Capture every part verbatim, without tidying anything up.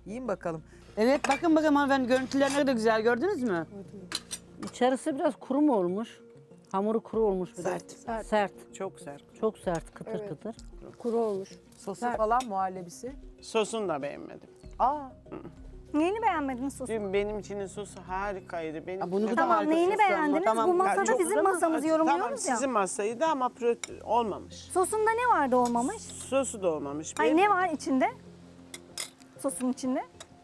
Yiyin bakalım. Evet bakın bakın hanımefendi görüntüler ne güzel gördünüz mü? İçerisi biraz kuru mu olmuş? Hamuru kuru olmuş biraz. Sert. Sert. Sert. Çok sert. Çok sert, kıtır kıtır. Kuru olmuş. Sosu falan muhallebisi. Sosunu da beğenmedim. Aa, Neyini beğenmediniz sosu? Dün benim için sosu harikaydı. Benim Ha, bunu da Tamam harika neyini sosu ama. beğendiniz? Tamam. Bu Ya masada çok- bizim masamızı Tamam yorumluyoruz ya. sizin masaydı ama prote- olmamış. Sosunda ne vardı olmamış? Sosu da olmamış. Hayır Ben, ne var içinde? Sosun içinde.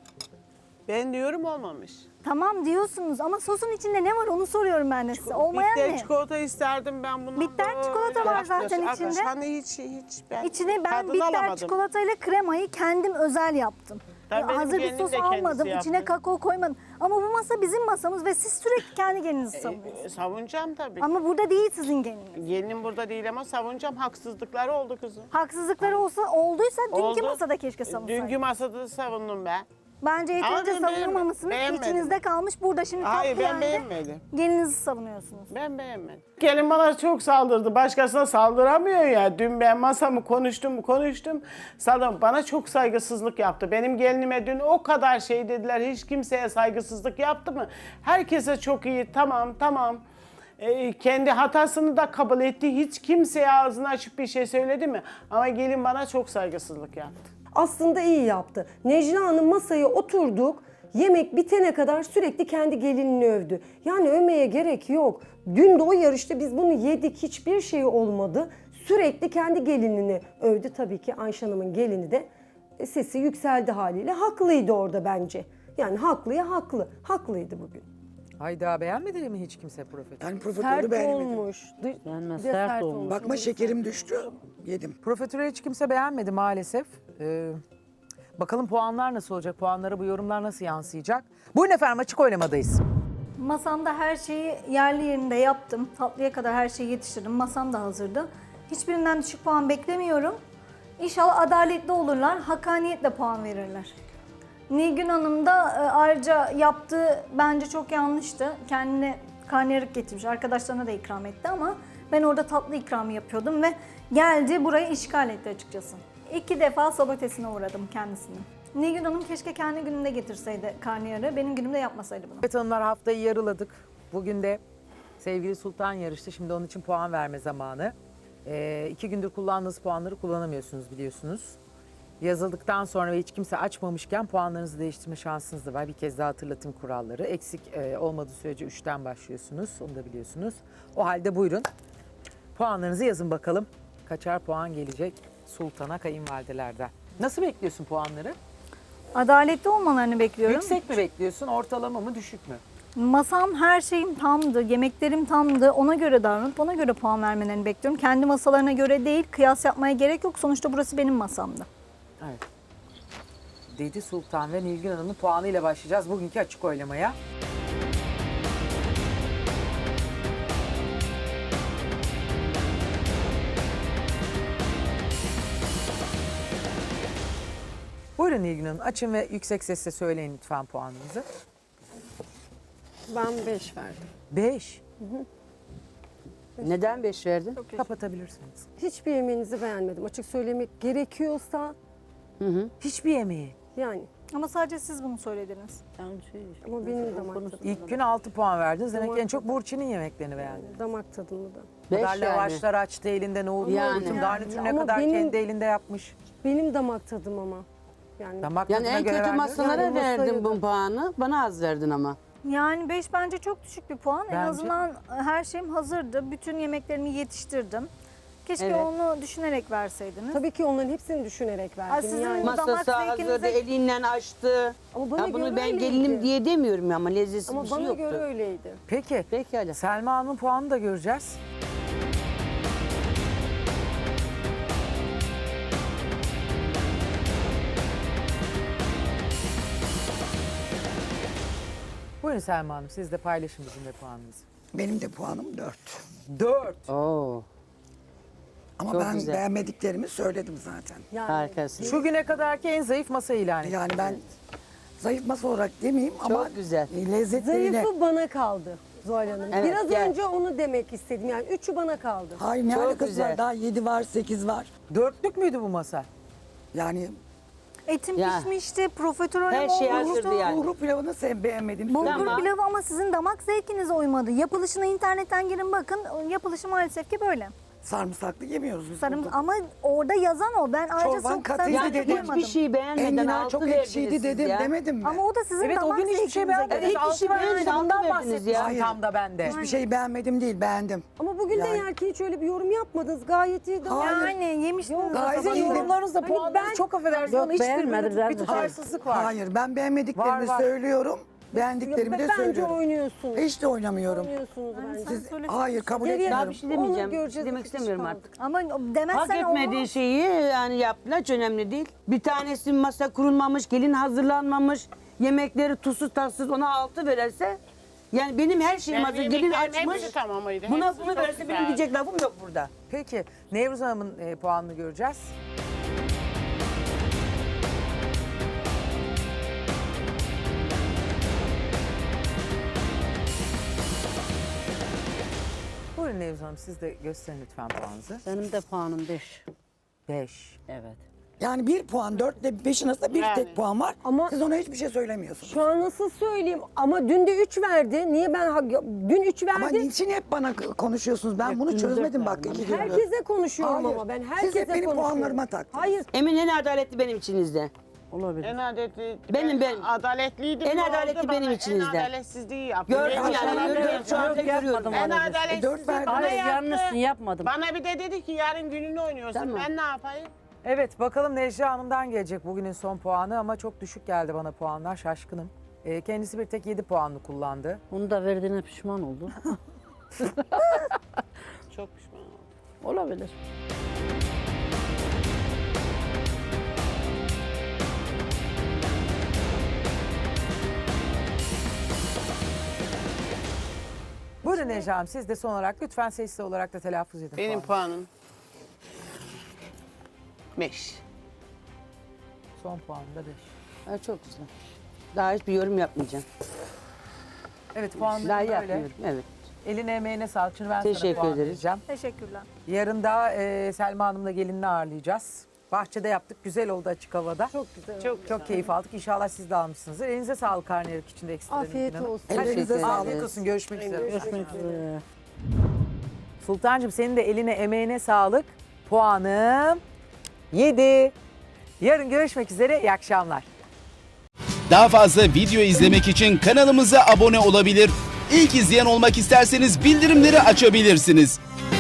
ben diyorum olmamış. Tamam diyorsunuz ama sosun içinde ne var onu soruyorum ben de size. Olmayan Bitter ne? çikolata isterdim ben bundan. Bitter böyle çikolata var yaklaşık- zaten Arkadaş, içinde. Hani hiç hiç ben İçine ben tadını bitter alamadım. çikolatayla kremayı kendim özel yaptım. Tabii benim Hazır bir gelinim sos de kendisi almadım, içine yaptı. kakao koymadım. Ama bu masa bizim masamız ve siz sürekli kendi gelinizi E, savunuyorsunuz. savunacağım tabii. Ama burada değil sizin geliniz. Gelinim burada değil ama savunacağım. Haksızlıkları oldu kızım. Haksızlıkları olsa olduysa dünkü Oldu. masada keşke savunsaydınız. Dünkü masada da savundum ben. Bence Ama yeterince ben beğenmedim. savunmamışsınız. Beğenmedim. İçinizde kalmış. Burada şimdi Hayır tatlı ben yerde beğenmedim. gelinizi savunuyorsunuz. Ben beğenmedim. Gelin bana çok saldırdı. Başkasına saldıramıyor ya. Dün ben masamı konuştum konuştum. Saldım. Bana çok saygısızlık yaptı. Benim gelinime dün o kadar şey dediler. Hiç kimseye saygısızlık yaptı mı? Herkese çok iyi. Tamam tamam. Ee, kendi hatasını da kabul etti. Hiç kimseye ağzını açıp bir şey söyledi mi? Ama gelin bana çok saygısızlık yaptı. Aslında iyi yaptı. Necla Hanım masaya oturduk. Yemek bitene kadar sürekli kendi gelinini övdü. Yani övmeye gerek yok. Dün de o yarışta biz bunu yedik. Hiçbir şey olmadı. Sürekli kendi gelinini övdü. Tabii ki Ayşe Hanım'ın gelini de e, sesi yükseldi haliyle. Haklıydı orada bence. Yani haklıya haklı. Haklıydı bugün. hayda beğenmedi mi hiç kimse profiterol? Ben profiterolü Sert beğenmedim. olmuş. Dış- Beğenmez, bir de sert olmuş. Bakma şekerim düştü. Yedim. Profiterolü hiç kimse beğenmedi maalesef. Ee, bakalım puanlar nasıl olacak? Puanlara bu yorumlar nasıl yansıyacak? Buyurun efendim açık oylamadayız. Masamda her şeyi yerli yerinde yaptım. Tatlıya kadar her şeyi yetiştirdim. Masam da hazırdı. Hiçbirinden düşük puan beklemiyorum. İnşallah adaletli olurlar. Hakkaniyetle puan verirler. Nilgün Hanım da e, ayrıca yaptığı bence çok yanlıştı. Kendine karnıyarık getirmiş. Arkadaşlarına da ikram etti ama ben orada tatlı ikramı yapıyordum ve geldi burayı işgal etti açıkçası. İki defa sabotesine uğradım kendisini. Nilgün Hanım keşke kendi gününde getirseydi karnıyarığı. Benim günümde yapmasaydı bunu. Evet hanımlar haftayı yarıladık. Bugün de sevgili Sultan yarıştı. Şimdi onun için puan verme zamanı. Ee, iki gündür kullandığınız puanları kullanamıyorsunuz biliyorsunuz. Yazıldıktan sonra ve hiç kimse açmamışken puanlarınızı değiştirme şansınız da var. Bir kez daha hatırlatayım kuralları. Eksik e, olmadığı sürece üçten başlıyorsunuz. Onu da biliyorsunuz. O halde buyurun. Puanlarınızı yazın bakalım. Kaçar puan gelecek Sultan'a kayınvalidelerden. Nasıl bekliyorsun puanları? Adaletli olmalarını bekliyorum. Yüksek mi bekliyorsun? Ortalama mı? Düşük mü? Masam her şeyim tamdı, yemeklerim tamdı. Ona göre davranıp ona göre puan vermelerini bekliyorum. Kendi masalarına göre değil, kıyas yapmaya gerek yok. Sonuçta burası benim masamdı. Evet. Dedi Sultan ve Nilgün Hanım'ın puanıyla başlayacağız bugünkü açık oylamaya. Buyurun Nilgün Hanım açın ve yüksek sesle söyleyin lütfen puanınızı. Ben beş verdim. Beş. Neden beş verdin? Kapatabilirsiniz. Hiçbir yemeğinizi beğenmedim. Açık söylemek gerekiyorsa Hiçbir yemeği. yani. Ama sadece siz bunu söylediniz. Ama benim de damak tadım. İlk gün altı puan verdiniz. Demek ki en çok Burçin'in yemeklerini beğendiniz. Damak tadımı da. Bu kadar Beş yani. lavaşlar açtı elinde nohut. Yani. Bütün garnitür ne Ama kadar benim- kendi elinde yapmış. Benim damak tadım ama. Yani Damak Yani tadına en göre kötü vermiyoruz. masalara Yani masaya verdin da- bu puanı. Bana az verdin ama. Yani beş bence çok düşük bir puan. En Bence- azından her şeyim hazırdı. Bütün yemeklerimi yetiştirdim. Keşke Evet. onu düşünerek verseydiniz. tabii ki onların hepsini düşünerek verdim. Ay, sizin yani. mas- damak Masası hazırdı, zevkinize- elinden açtı. Ama bana Ya bunu göre ben öyleydi. gelinim diye demiyorum ama lezzetli Ama bir şey bana yoktu. göre öyleydi. Peki. Pekala. Selma Hanım'ın puanını da göreceğiz. Buyurun Selma Hanım siz de paylaşın bizimle puanınızı. Benim de puanım dört. Dört. Oo, Ama Çok ben güzel. beğenmediklerimi söyledim zaten. Yani harikasın. Şu güne kadarki en zayıf masa ilan edin. Yani ben zayıf masa olarak demeyeyim ama güzel. lezzetleriyle... zayıfı bana kaldı Zuhal Hanım. Evet, Biraz gel. önce onu demek istedim. Yani üçü bana kaldı. Hayır ne Çok alakası güzel. var? Daha yedi var, sekiz var. Dörtlük müydü bu masa? Yani Etim Ya. pişmişti, profiterolüm Her şey olmuştu. hazırdı yani. Bulgur pilavını sen beğenmedim. Bulgur Tamam. pilavı ama sizin damak zevkinize uymadı. Yapılışına internetten girin bakın. Yapılışı maalesef ki böyle. Sarımsaklı yemiyoruz biz. Sarım burada. ama orada yazan o. Ben ayrıca Çorban çok katıydı sarımsak dedim. koymadım. Hiçbir şey beğenmeden Enginar altı çok verdiniz ekşiydi siz dedim ya. demedim mi? Ama o da sizin Evet o damak gün hiçbir şey zevkinize beğenmedim. göre. Hiçbir Altı şey vermedi. beğenmedim, Bundan altı verdiniz bahsetmiştim ya. Hayır. tam da bende. Hiçbir şey beğenmedim değil, beğendim. Ama bugün de Yani- yerken hiç öyle bir yorum yapmadınız. Gayet iyi. Hayır. Yani yemiştiniz. Yok, gayet Sizin iyi. yorumlarınızda Hani puanları ben- çok affedersiniz Yok, ama hiçbir beğenmedim böyle bir zaten. tutarsızlık var. Hayır, ben beğenmediklerimi Var, var. söylüyorum. Beğendiklerimi de Bence söylüyorum. oynuyorsunuz. Hiç de oynamıyorum. Oynuyorsunuz bence. Siz, söyle- hayır, kabul Geriye- etmiyorum. Daha bir şey demeyeceğim. Onu göreceğiz, Demek bakış istemiyorum kaldı. artık. Ama Hak demezsen etmediği olmaz. şeyi yani yaptılar, hiç önemli değil. Bir tanesi masa kurulmamış, gelin hazırlanmamış, yemekleri tuzsuz tatsız ona altı verirse yani benim her şeyim hazır, Benim gelin yemeklerim açmış. hepsi tamamıydı. Buna Hepsi bunu çok verirse benim güzel. diyecek lafım yok burada. Peki Nevruz Hanım'ın e, puanını göreceğiz. Buyurun Nevruz Hanım siz de gösterin lütfen puanınızı. Benim de puanım beş. Beş. Evet. Yani bir puan, dörtle beşin arasında bir Yani. tek puan var. Ama- Siz ona hiçbir şey söylemiyorsunuz. Şu an nasıl söyleyeyim? Ama dün de üç verdi. Niye ben ha- dün üç Ama verdi? niçin hep bana konuşuyorsunuz? Ben bunu çözmedim bak iki gündür. Herkese konuşuyorum Hayır. ama ben Siz herkese hep benim konuşuyorum. puanlarıma taktınız. Hayır. Emin en adaletli benim içinizde. Olabilir. En adaletli, Benim, ben- adaletliydim. en ne oldu adaletli bana? benim içinizde. En adaletsizliği yaptım. Gördüm Ben yani, sana görüyorum, diyorum. şu anda görüyorum. En E, dört adaletsizliği verdim. bana Hayır, yaptı. yanlışsın, yapmadım. Bana bir de dedi ki yarın gününü oynuyorsun. Tamam. Ben ne yapayım? Evet bakalım Necla Hanım'dan gelecek bugünün son puanı ama çok düşük geldi bana puanlar şaşkınım. E, kendisi bir tek yedi puanlı kullandı. Onu da verdiğine pişman oldu. Çok pişman oldum. Olabilir. Buyurun Necla Hanım siz de son olarak lütfen sesli olarak da telaffuz edin. Benim puanı. puanım beş. Son puanı da beş. Ha, çok güzel. Daha hiçbir yorum yapmayacağım. Evet Daha puanları böyle. yapmıyorum. Evet. Eline emeğine sağlık. Şimdi ben sana Teşekkür puan ederiz. vereceğim. Teşekkürler. Yarın da e, Selma Hanım'la gelinini ağırlayacağız. Bahçede yaptık. Güzel oldu açık havada. Çok güzel. Çok Çok keyif aldık. İnşallah siz de almışsınızdır. Elinize sağlık karnıyarık içinde ekstra. Afiyet Nilgün Hanım. olsun. Ellerinize Teşekkür sağlık. Afiyet olsun. Görüşmek üzere. Görüşmek üzere. Sultancığım senin de eline emeğine sağlık. Puanım yedi. Yarın görüşmek üzere. İyi akşamlar. Daha fazla video izlemek için kanalımıza abone olabilir. İlk izleyen olmak isterseniz bildirimleri açabilirsiniz.